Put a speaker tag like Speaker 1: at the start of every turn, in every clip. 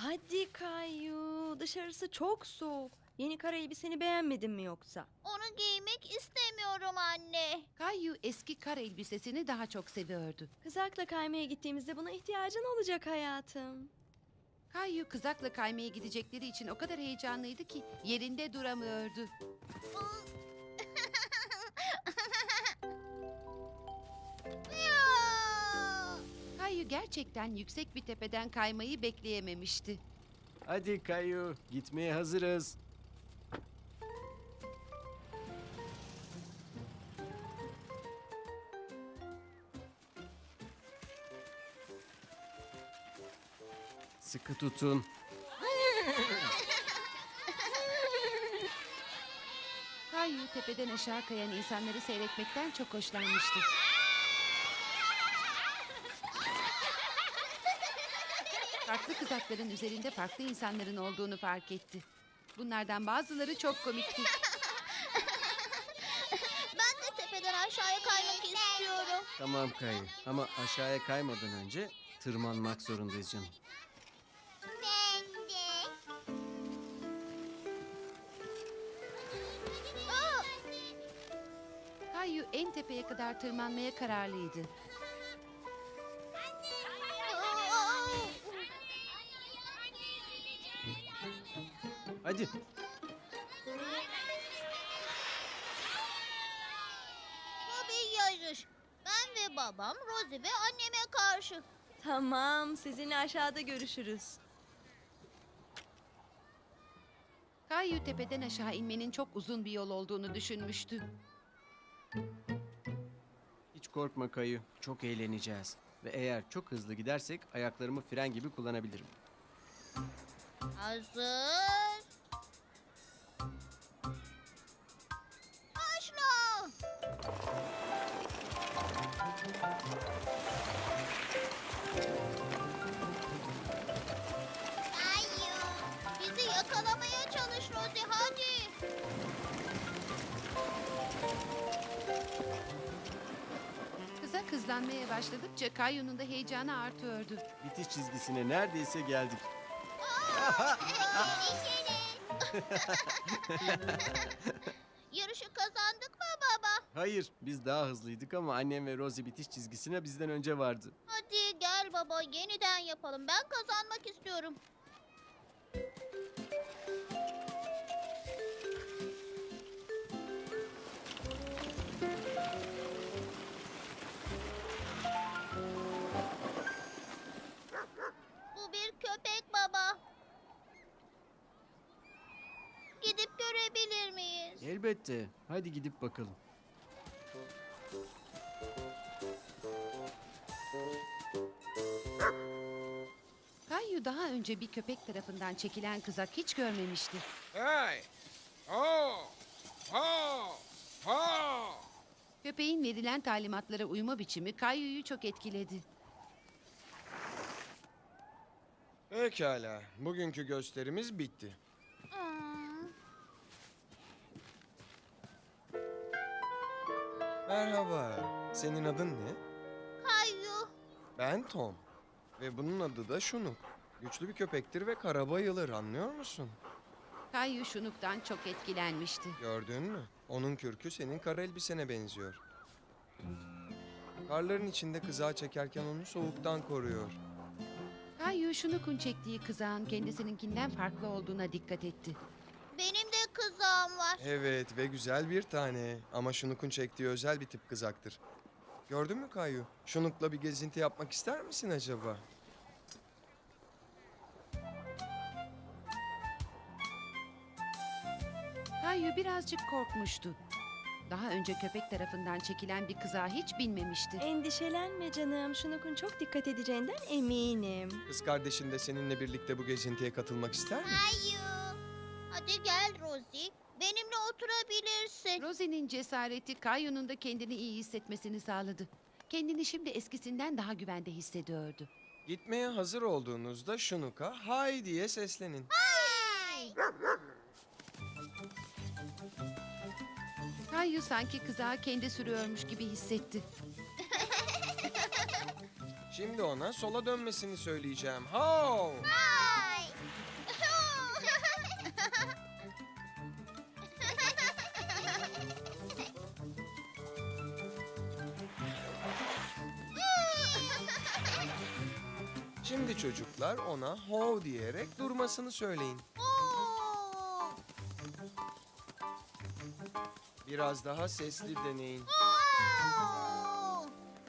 Speaker 1: Hadi Kayu, dışarısı çok soğuk. Yeni kara elbiseni beğenmedin mi yoksa?
Speaker 2: Onu giymek istemiyorum anne.
Speaker 3: Kayu eski kar elbisesini daha çok seviyordu.
Speaker 1: Kızakla kaymaya gittiğimizde buna ihtiyacın olacak hayatım.
Speaker 3: Kayu kızakla kaymaya gidecekleri için o kadar heyecanlıydı ki yerinde duramıyordu.
Speaker 2: Ya!
Speaker 3: Kayu gerçekten yüksek bir tepeden kaymayı bekleyememişti.
Speaker 4: Hadi Kayu, gitmeye hazırız. Sıkı tutun.
Speaker 3: Kayu tepeden aşağı kayan insanları seyretmekten çok hoşlanmıştı. Farklı kızakların üzerinde farklı insanların olduğunu fark etti. Bunlardan bazıları çok komikti.
Speaker 2: Ben de tepeden aşağıya kaymak istiyorum.
Speaker 4: Tamam Kayu ama aşağıya kaymadan önce tırmanmak zorundayız canım.
Speaker 2: Ben de.
Speaker 3: Kayu en tepeye kadar tırmanmaya kararlıydı.
Speaker 4: Hadi.
Speaker 2: Bu bir yarış. Ben ve babam, Rosie ve anneme karşı.
Speaker 1: Tamam, sizinle aşağıda görüşürüz.
Speaker 3: Kayu tepeden aşağı inmenin çok uzun bir yol olduğunu düşünmüştü.
Speaker 4: Hiç korkma Kayu, çok eğleneceğiz. Ve eğer çok hızlı gidersek ayaklarımı fren gibi kullanabilirim.
Speaker 2: Hazır. Başla. Kayu. Bizi yakalamaya çalış Rosie, hadi.
Speaker 3: Kızak hızlanmaya başladıkça Kayu'nun da heyecanı artıyordu.
Speaker 4: Bitiş çizgisine neredeyse geldik.
Speaker 2: Yarışı kazandık mı baba?
Speaker 4: Hayır, biz daha hızlıydık ama annem ve Rosie bitiş çizgisine bizden önce vardı.
Speaker 2: Hadi gel baba, yeniden yapalım. Ben kazanmak istiyorum. Bu bir köpek baba. Gidip görebilir miyiz?
Speaker 4: Elbette. Hadi gidip bakalım.
Speaker 3: Kayu daha önce bir köpek tarafından çekilen kızak hiç görmemişti.
Speaker 5: Hey! Ho! Ho! Ho!
Speaker 3: Köpeğin verilen talimatlara uyma biçimi Kayu'yu çok etkiledi.
Speaker 5: Pekala, bugünkü gösterimiz bitti.
Speaker 2: Hmm.
Speaker 5: Merhaba, senin adın ne?
Speaker 2: Kayu.
Speaker 5: Ben Tom. Ve bunun adı da Şunuk. Güçlü bir köpektir ve kara bayılır, anlıyor musun?
Speaker 3: Kayu şunuktan çok etkilenmişti.
Speaker 5: Gördün mü? Onun kürkü senin kara elbisene benziyor. Karların içinde kızağı çekerken onu soğuktan koruyor.
Speaker 3: Kayu şunukun çektiği kızağın kendisininkinden farklı olduğuna dikkat etti.
Speaker 2: Benim de kızağım var.
Speaker 5: Evet ve güzel bir tane. Ama Şunuk'un çektiği özel bir tip kızaktır. Gördün mü Kayu? Şunuk'la bir gezinti yapmak ister misin acaba?
Speaker 3: Kayu birazcık korkmuştu. Daha önce köpek tarafından çekilen bir kızağa hiç binmemişti.
Speaker 1: Endişelenme canım, Şunuk'un çok dikkat edeceğinden eminim.
Speaker 5: Kız kardeşin de seninle birlikte bu gezintiye katılmak ister mi?
Speaker 2: Kayu. Hadi gel Rosie. Benimle oturabilirsin.
Speaker 3: Rosie'nin cesareti Kayu'nun da kendini iyi hissetmesini sağladı. Kendini şimdi eskisinden daha güvende hissediyordu.
Speaker 5: Gitmeye hazır olduğunuzda Şunuk'a hay diye seslenin.
Speaker 2: Ay.
Speaker 3: Kayu sanki kızağı kendi sürüyormuş gibi hissetti.
Speaker 5: Şimdi ona sola dönmesini söyleyeceğim. Ho!
Speaker 2: Ay.
Speaker 5: Şimdi çocuklar ona ho diyerek durmasını söyleyin.
Speaker 2: Oo!
Speaker 5: Biraz daha sesli deneyin.
Speaker 2: Oo!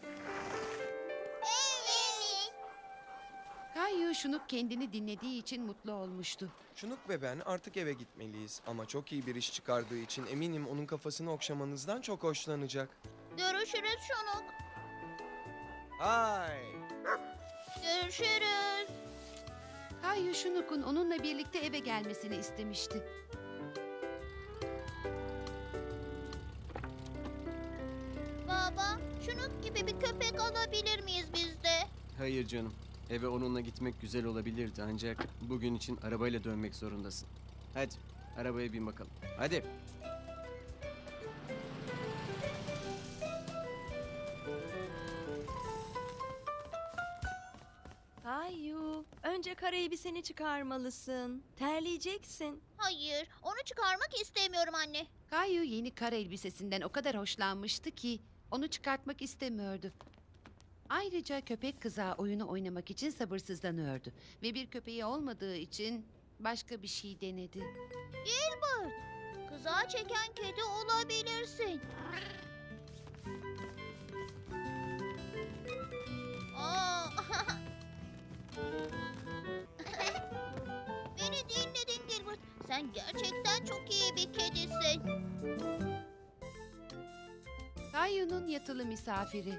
Speaker 2: Evet.
Speaker 3: Kayu Şunuk kendini dinlediği için mutlu olmuştu.
Speaker 5: Şunuk ve ben artık eve gitmeliyiz. Ama çok iyi bir iş çıkardığı için eminim onun kafasını okşamanızdan çok hoşlanacak.
Speaker 2: Görüşürüz Şunuk.
Speaker 5: Hay!
Speaker 2: Görüşürüz.
Speaker 3: Kayu Şunuk'un onunla birlikte eve gelmesini istemişti.
Speaker 2: Baba, Şunuk gibi bir köpek alabilir miyiz biz de?
Speaker 4: Hayır canım. Eve onunla gitmek güzel olabilirdi ancak bugün için arabayla dönmek zorundasın. Hadi arabaya bin bakalım. Hadi.
Speaker 1: Kayu, önce kara elbiseni çıkarmalısın. Terleyeceksin.
Speaker 2: Hayır, onu çıkarmak istemiyorum anne.
Speaker 3: Kayu yeni kar elbisesinden o kadar hoşlanmıştı ki onu çıkartmak istemiyordu. Ayrıca köpek kızağı oyunu oynamak için sabırsızlanıyordu. Ve bir köpeği olmadığı için başka bir şey denedi.
Speaker 2: Gilbert, kızağı çeken kedi olabilirsin. Aa. Beni dinledin Gilbert. Sen gerçekten çok iyi bir kedisin.
Speaker 3: Kayu'nun yatılı misafiri.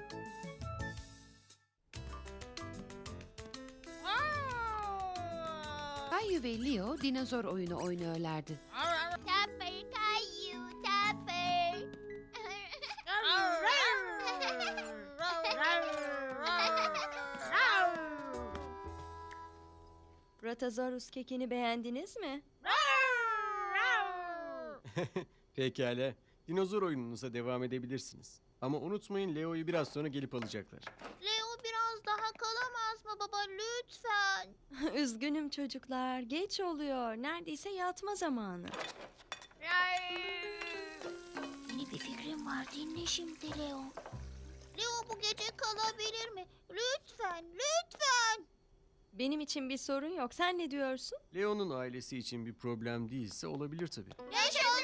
Speaker 3: Kayu ve Leo dinozor oyunu oynuyorlardı.
Speaker 2: Tapper Kayu, Tapper.
Speaker 1: Bratazorus kekini beğendiniz mi?
Speaker 4: Pekala. Dinozor oyununuza devam edebilirsiniz. Ama unutmayın Leo'yu biraz sonra gelip alacaklar.
Speaker 2: Leo biraz daha kalamaz mı baba lütfen?
Speaker 1: Üzgünüm çocuklar, geç oluyor. Neredeyse yatma zamanı.
Speaker 2: Yeni bir fikrim var dinle şimdi Leo. Leo bu gece kalabilir mi? Lütfen, lütfen.
Speaker 1: Benim için bir sorun yok. Sen ne diyorsun?
Speaker 4: Leo'nun ailesi için bir problem değilse olabilir tabii.
Speaker 2: Yaşasın.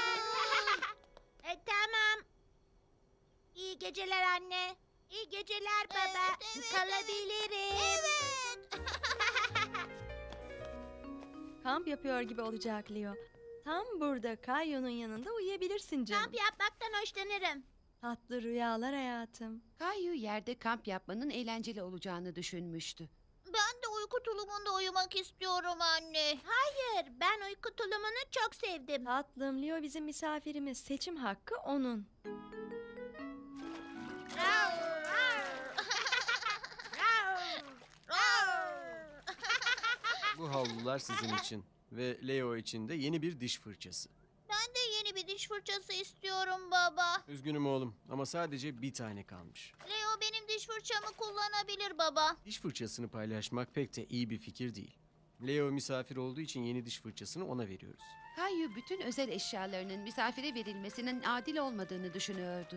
Speaker 6: Tamam. İyi geceler anne. İyi geceler baba. Kalabilirim.
Speaker 2: Evet.
Speaker 1: Kamp yapıyor gibi olacak Leo. Tam burada Kayu'nun yanında uyuyabilirsin canım.
Speaker 6: Kamp yapmaktan hoşlanırım.
Speaker 1: Tatlı rüyalar hayatım.
Speaker 3: Kayu yerde kamp yapmanın eğlenceli olacağını düşünmüştü.
Speaker 2: Ben de uyku tulumunda uyumak istiyorum anne.
Speaker 6: Hayır, ben uyku tulumunu çok sevdim.
Speaker 1: Tatlım, Leo bizim misafirimiz. Seçim hakkı onun.
Speaker 4: Bu havlular sizin için. Ve Leo için de yeni bir diş fırçası.
Speaker 2: Ben de yeni bir diş fırçası istiyorum baba.
Speaker 4: Üzgünüm oğlum ama sadece bir tane kalmış.
Speaker 2: Leo benim diş fırçamı kullanabilir baba.
Speaker 4: Diş fırçasını paylaşmak pek de iyi bir fikir değil. Leo misafir olduğu için yeni diş fırçasını ona veriyoruz.
Speaker 3: Kayu bütün özel eşyalarının misafire verilmesinin adil olmadığını düşünüyordu.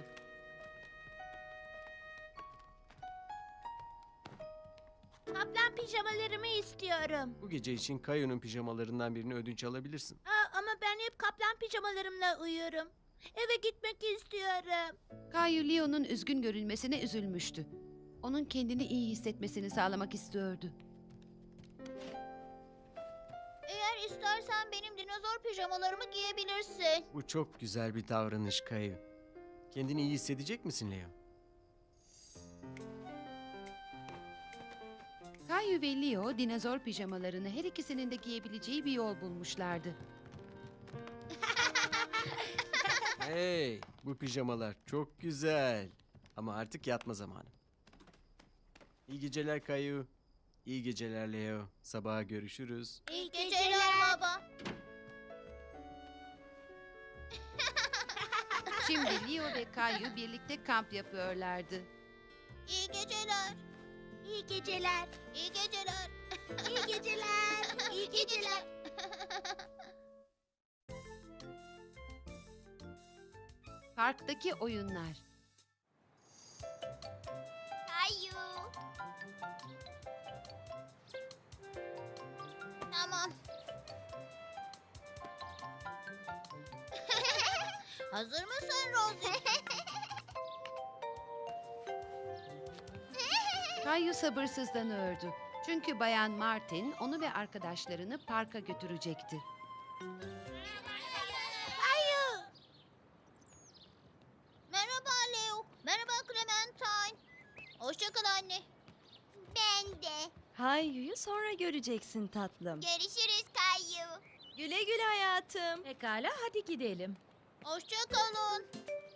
Speaker 6: Kaplan pijamalarımı istiyorum.
Speaker 4: Bu gece için Kayu'nun pijamalarından birini ödünç alabilirsin.
Speaker 6: Ama ben hep kaplan pijamalarımla uyuyorum. Eve gitmek istiyorum.
Speaker 3: Kayu Leo'nun üzgün görünmesine üzülmüştü. Onun kendini iyi hissetmesini sağlamak istiyordu.
Speaker 2: Eğer istersen benim dinozor pijamalarımı giyebilirsin.
Speaker 4: Bu çok güzel bir davranış Kayu. Kendini iyi hissedecek misin Leo?
Speaker 3: Kayu ve Leo dinozor pijamalarını her ikisinin de giyebileceği bir yol bulmuşlardı.
Speaker 4: Hey, bu pijamalar çok güzel. Ama artık yatma zamanı. İyi geceler Kayu. İyi geceler Leo. Sabaha görüşürüz.
Speaker 2: İyi geceler baba.
Speaker 3: Şimdi Leo ve Kayu birlikte kamp yapıyorlardı.
Speaker 2: İyi geceler.
Speaker 6: İyi geceler.
Speaker 2: İyi geceler.
Speaker 6: İyi geceler. İyi geceler.
Speaker 3: Parktaki oyunlar.
Speaker 2: Kayu. Tamam. Hazır mısın Rosie?
Speaker 3: Kayu sabırsızlanıyordu. Çünkü Bayan Martin onu ve arkadaşlarını parka götürecekti.
Speaker 2: Merhaba Leo. Merhaba Clementine. Hoşça kal anne. Ben de.
Speaker 1: Kayu'yu sonra göreceksin tatlım.
Speaker 2: Görüşürüz Kayu.
Speaker 1: Güle güle hayatım.
Speaker 6: Pekala hadi gidelim.
Speaker 2: Hoşça kalın.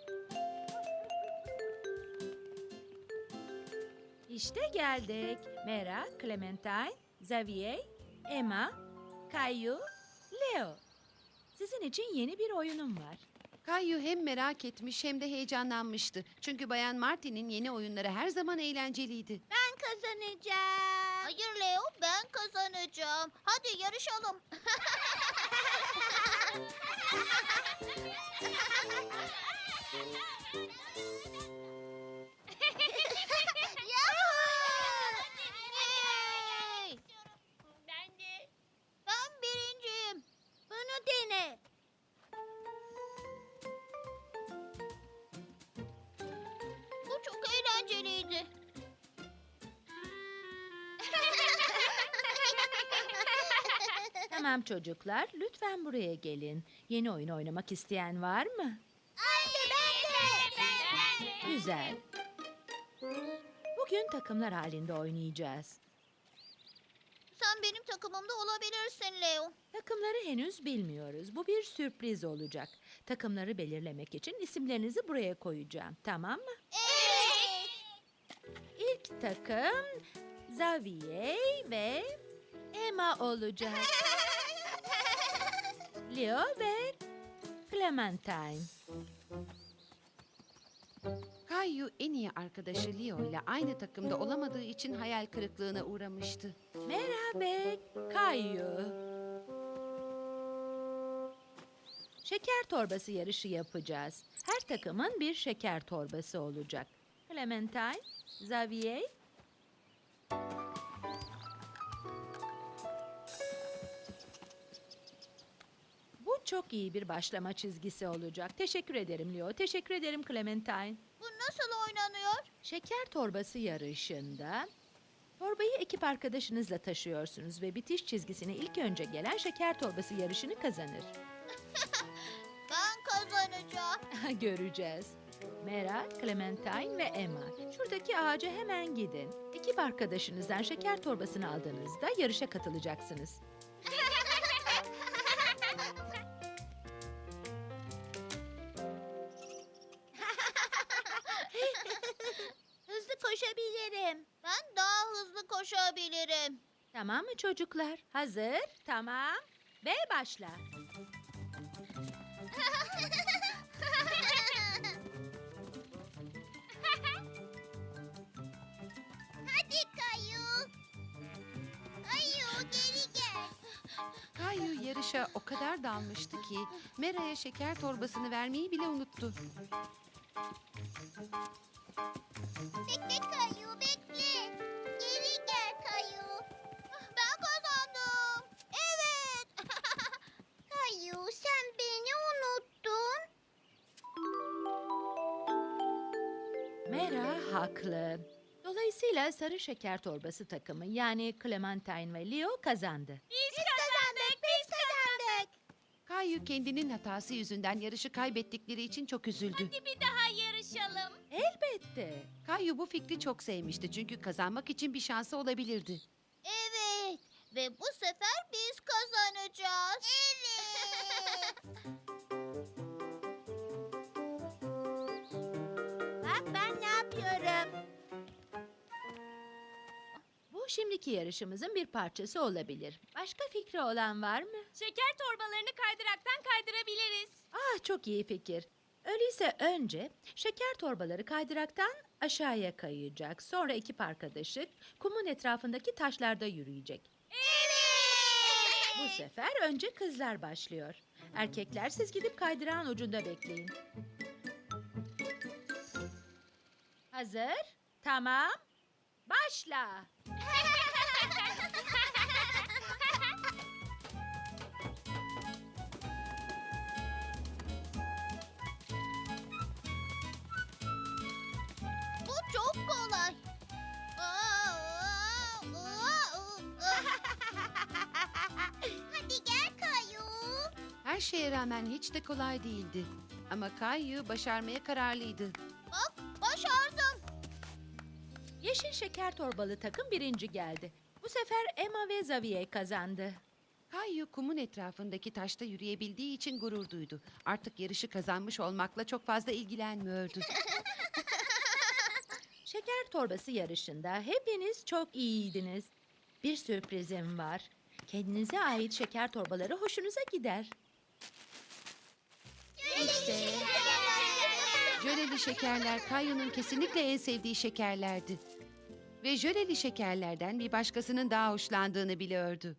Speaker 6: İşte geldik. Mera, Clementine, Xavier, Emma, Caillou, Leo. Sizin için yeni bir oyunum var.
Speaker 3: Kayu hem merak etmiş hem de heyecanlanmıştı. Çünkü Bayan Martin'in yeni oyunları her zaman eğlenceliydi.
Speaker 2: Ben kazanacağım. Hayır Leo, ben kazanacağım. Hadi yarışalım. Yay! Ben birinciyim. Bunu dene. Bu çok eğlenceliydi.
Speaker 6: Tamam çocuklar, lütfen buraya gelin. Yeni oyun oynamak isteyen var mı?
Speaker 2: Anne ben de.
Speaker 6: Güzel. Bugün takımlar halinde oynayacağız.
Speaker 2: Sen benim takımımda olabilirsin Leo.
Speaker 6: Takımları henüz bilmiyoruz. Bu bir sürpriz olacak. Takımları belirlemek için isimlerinizi buraya koyacağım. Tamam mı?
Speaker 2: Evet.
Speaker 6: İlk takım Xavier ve Emma olacak. Leo ve Clementine.
Speaker 3: Kayu en iyi arkadaşı Leo ile aynı takımda olamadığı için hayal kırıklığına uğramıştı.
Speaker 6: Merhaba Caillou. Şeker torbası yarışı yapacağız. Her takımın bir şeker torbası olacak. Clementine, Xavier. Bu çok iyi bir başlama çizgisi olacak. Teşekkür ederim Leo. Teşekkür ederim Clementine.
Speaker 2: Bu nasıl oynanıyor?
Speaker 6: Şeker torbası yarışında torbayı ekip arkadaşınızla taşıyorsunuz ve bitiş çizgisine ilk önce gelen şeker torbası yarışını kazanır.
Speaker 2: Ben kazanacağım.
Speaker 6: Göreceğiz. Mera, Clementine ve Emma. Şuradaki ağaca hemen gidin. Ekip arkadaşınızdan şeker torbasını aldığınızda yarışa katılacaksınız.
Speaker 2: Hızlı koşabilirim. Ben daha hızlı koşabilirim.
Speaker 6: Tamam mı çocuklar? Hazır, tamam ve başla.
Speaker 2: Hadi Kayu. Kayu geri gel.
Speaker 3: Kayu yarışa o kadar dalmıştı ki Mera'ya şeker torbasını vermeyi bile unuttu.
Speaker 2: Bekle Kayu bekle. Geri gel Kayu. Ben kazandım. Evet. Kayu sen beni unuttun.
Speaker 6: Mera haklı. Dolayısıyla sarı şeker torbası takımı yani Clementine ve Leo kazandı.
Speaker 2: Biz kazandık. Biz kazandık.
Speaker 3: Kayu kendinin hatası yüzünden yarışı kaybettikleri için çok üzüldü.
Speaker 2: Bir daha yarışalım.
Speaker 6: Elbette.
Speaker 3: Kayu bu fikri çok sevmişti çünkü kazanmak için bir şansı olabilirdi.
Speaker 2: Evet. Ve bu sefer biz kazanacağız. Evet. Bak ben ne yapıyorum?
Speaker 6: Bu şimdiki yarışımızın bir parçası olabilir. Başka fikri olan var mı?
Speaker 1: Şeker torbalarını kaydıraktan kaydırabiliriz.
Speaker 6: Ah çok iyi fikir. Öyleyse önce şeker torbaları kaydıraktan aşağıya kayacak. Sonra ekip arkadaşı kumun etrafındaki taşlarda yürüyecek.
Speaker 2: Evet.
Speaker 6: Bu sefer önce kızlar başlıyor. Erkekler siz gidip kaydırağın ucunda bekleyin. Hazır? Tamam. Başla.
Speaker 2: Hadi gel Kayu.
Speaker 3: Her şeye rağmen hiç de kolay değildi. Ama Kayu başarmaya kararlıydı.
Speaker 2: Bak başardım.
Speaker 6: Yeşil şeker torbalı takım birinci geldi. Bu sefer Emma ve Xavier kazandı.
Speaker 3: Kayu kumun etrafındaki taşta yürüyebildiği için gurur duydu. Artık yarışı kazanmış olmakla çok fazla ilgilenmiyordu.
Speaker 6: Şeker torbası yarışında hepiniz çok iyiydiniz. Bir sürprizim var. Kendinize ait şeker torbaları hoşunuza gider. İşte
Speaker 3: Jöleli şekerler Kayu'nun kesinlikle en sevdiği şekerlerdi. Ve jöleli şekerlerden bir başkasının daha hoşlandığını biliyordu.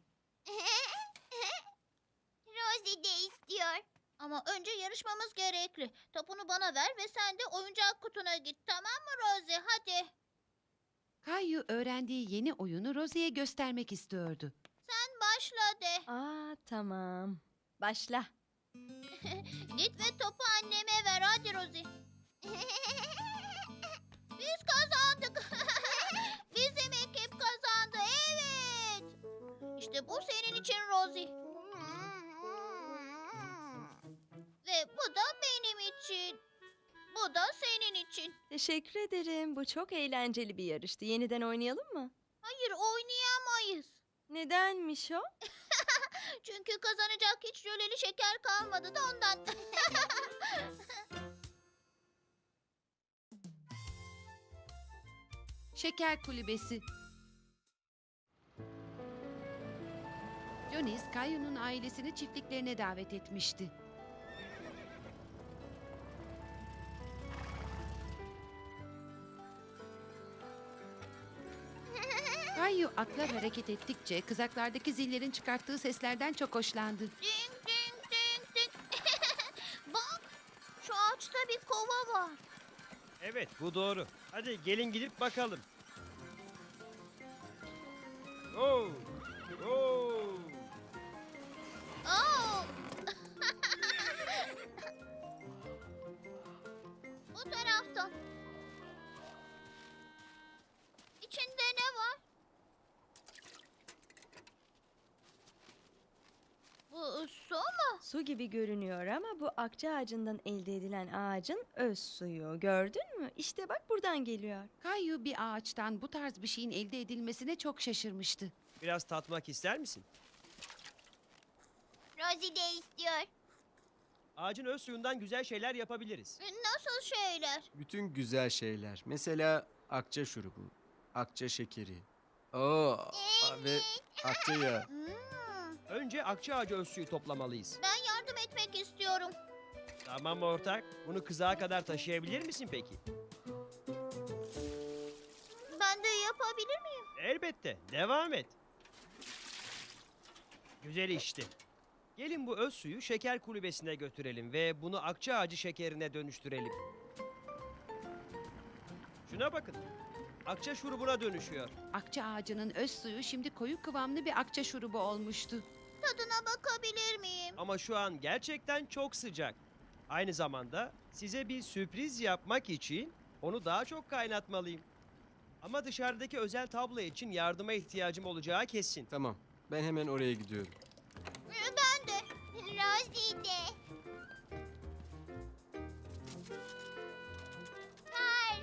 Speaker 2: Rosie de istiyor. Ama önce yarışmamız gerekli. Topunu bana ver ve sen de oyuncak kutuna git. Tamam mı Rosie? Hadi.
Speaker 3: Kayu öğrendiği yeni oyunu Rosie'ye göstermek istiyordu.
Speaker 2: Sen başla de.
Speaker 1: Aa, tamam. Başla.
Speaker 2: Git ve topu anneme ver. Hadi Rosie. Biz kazandık. Bizim ekip kazandı. Evet. İşte bu senin için Rosie. Ve bu da benim için. Bu da senin için.
Speaker 1: Teşekkür ederim. Bu çok eğlenceli bir yarıştı. Yeniden oynayalım mı?
Speaker 2: Hayır oynayamayız.
Speaker 1: Nedenmiş o?
Speaker 2: Çünkü kazanacak hiç jöleli şeker kalmadı da ondan.
Speaker 3: Şeker kulübesi. Jonis, Kayu'nun ailesini çiftliklerine davet etmişti. Kayu atlar hareket ettikçe kızaklardaki zillerin çıkarttığı seslerden çok hoşlandı.
Speaker 2: Ding ding ding ding. Bak şu ağaçta bir kova var.
Speaker 7: Evet, bu doğru. Hadi gelin gidip bakalım. Oo! Oo!
Speaker 2: Oo. Bu taraftan. İçinde ne var? Bu su mu?
Speaker 1: Su gibi görünüyor ama bu akça ağacından elde edilen ağacın öz suyu. Gördün mü? İşte bak buradan geliyor.
Speaker 3: Kayu bir ağaçtan bu tarz bir şeyin elde edilmesine çok şaşırmıştı.
Speaker 7: Biraz tatmak ister misin?
Speaker 2: Rosie de istiyor.
Speaker 7: Ağacın öz suyundan güzel şeyler yapabiliriz.
Speaker 2: Nasıl şeyler?
Speaker 4: Bütün güzel şeyler. Mesela akça şurubu, akça şekeri. Oo, ve akça yağı.
Speaker 7: Önce akça ağacı öz suyu toplamalıyız.
Speaker 2: Ben yardım etmek istiyorum.
Speaker 7: Tamam ortak. Bunu kızağa kadar taşıyabilir misin peki?
Speaker 2: Ben de yapabilir miyim?
Speaker 7: Elbette. Devam et. Güzel işte. Gelin bu öz suyu şeker kulübesine götürelim ve bunu akça ağacı şekerine dönüştürelim. Şuna bakın. Akça şurubuna dönüşüyor.
Speaker 3: Akça ağacının öz suyu şimdi koyu kıvamlı bir akça şurubu olmuştu.
Speaker 2: Tadına bakabilir miyim?
Speaker 7: Ama şu an gerçekten çok sıcak. Aynı zamanda size bir sürpriz yapmak için onu daha çok kaynatmalıyım. Ama dışarıdaki özel tablo için yardıma ihtiyacım olacağı kesin.
Speaker 4: Tamam, ben hemen oraya gidiyorum.
Speaker 2: Ben de. Rosie de. Hayır.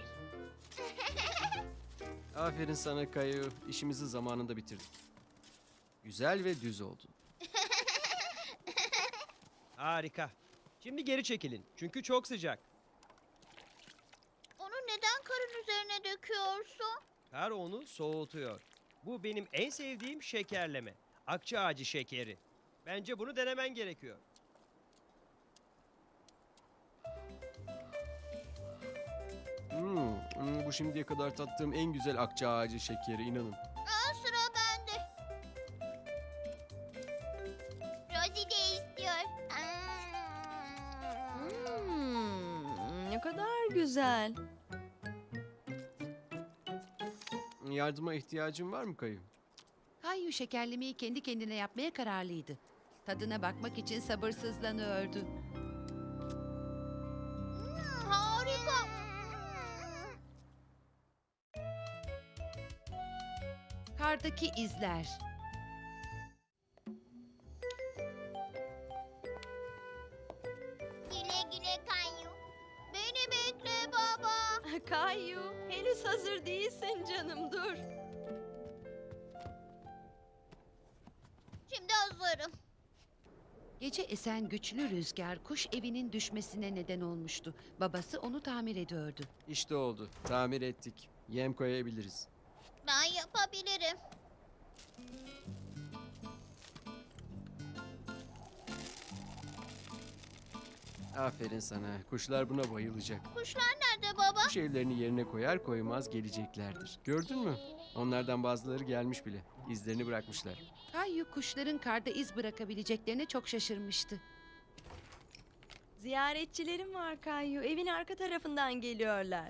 Speaker 4: Aferin sana Kayu. İşimizi zamanında bitirdik. Güzel ve düz oldu.
Speaker 7: Harika. Şimdi geri çekilin çünkü çok sıcak.
Speaker 2: Onu neden karın üzerine döküyorsun?
Speaker 7: Kar onu soğutuyor. Bu benim en sevdiğim şekerleme. Akça ağacı şekeri. Bence bunu denemen gerekiyor.
Speaker 4: Bu şimdiye kadar tattığım en güzel akça ağacı şekeri, inanın.
Speaker 2: Sıra bende. Rosie de istiyor.
Speaker 1: Ne kadar güzel.
Speaker 4: Yardıma ihtiyacın var mı Kayu?
Speaker 3: Kayu şekerlemeyi kendi kendine yapmaya kararlıydı. Tadına bakmak için sabırsızlanıyordu.
Speaker 2: Harika.
Speaker 3: Kardaki izler.
Speaker 1: Henüz hazır değilsin canım, dur.
Speaker 2: Şimdi hazırım.
Speaker 3: Gece esen güçlü rüzgar kuş evinin düşmesine neden olmuştu. Babası onu tamir ediyordu.
Speaker 4: İşte oldu. Tamir ettik. Yem koyabiliriz.
Speaker 2: Ben yapabilirim.
Speaker 4: Aferin sana. Kuşlar buna bayılacak.
Speaker 2: Kuşlar nerede baba?
Speaker 4: Kuş evlerini yerine koyar koymaz geleceklerdir. Gördün mü? Onlardan bazıları gelmiş bile. İzlerini bırakmışlar.
Speaker 3: Kayu kuşların karda iz bırakabileceklerine çok şaşırmıştı.
Speaker 1: Ziyaretçilerim var Kayu. Evin arka tarafından geliyorlar.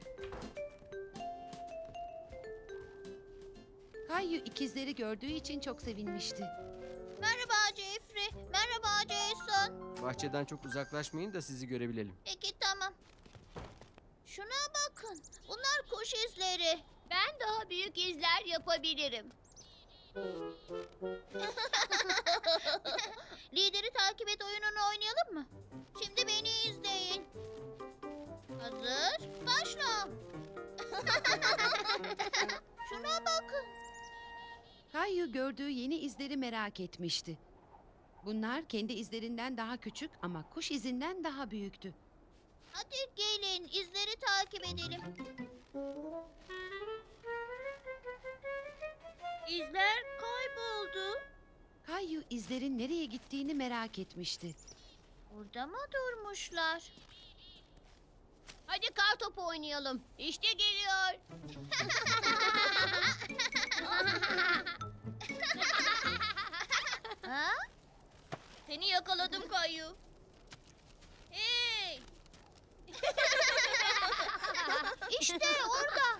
Speaker 3: Kayu ikizleri gördüğü için çok sevinmişti.
Speaker 2: Merhaba Jeffrey. Merhaba Jason.
Speaker 4: Bahçeden çok uzaklaşmayın da sizi görebilelim.
Speaker 2: Peki tamam. Şuna bakın. Bunlar kuş izleri. Ben daha büyük izler yapabilirim. Lideri takip et oyununu oynayalım mı? Şimdi beni izleyin. Hazır? Başla. Şuna bakın.
Speaker 3: Kayu gördüğü yeni izleri merak etmişti. Bunlar kendi izlerinden daha küçük ama kuş izinden daha büyüktü.
Speaker 2: Hadi gelin izleri takip edelim. İzler kayboldu.
Speaker 3: Kayu izlerin nereye gittiğini merak etmişti.
Speaker 2: Orada mı durmuşlar? Hadi kar topu oynayalım. İşte geliyor. ha? Seni yakaladım Kayu. Hey! işte orada.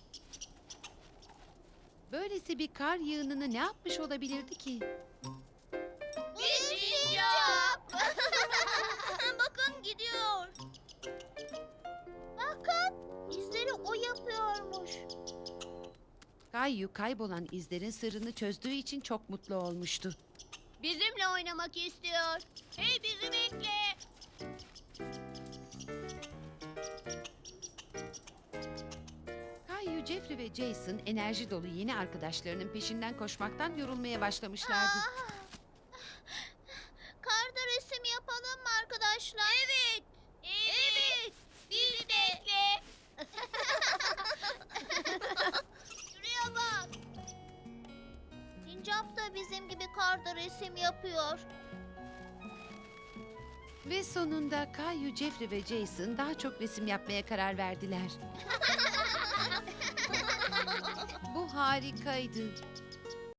Speaker 3: Böylesi bir kar yığınını ne yapmış olabilirdi ki?
Speaker 2: Bir sincap. Bakın gidiyor. Bakın izleri o yapıyormuş.
Speaker 3: Kayu kaybolan izlerin sırrını çözdüğü için çok mutlu olmuştu.
Speaker 2: Bizimle oynamak istiyor. Hey bizi bekle.
Speaker 3: Kayu, Jeffrey ve Jason enerji dolu yeni arkadaşlarının peşinden koşmaktan yorulmaya başlamışlardı.
Speaker 2: Karda resim yapalım mı arkadaşlar? Evet. Evet. Bizi bekle. Şuraya bak. Sincap da bizim gibi karda resim yapıyor.
Speaker 3: Ve sonunda Kayu, Jeffrey ve Jason daha çok resim yapmaya karar verdiler. Bu harikaydı.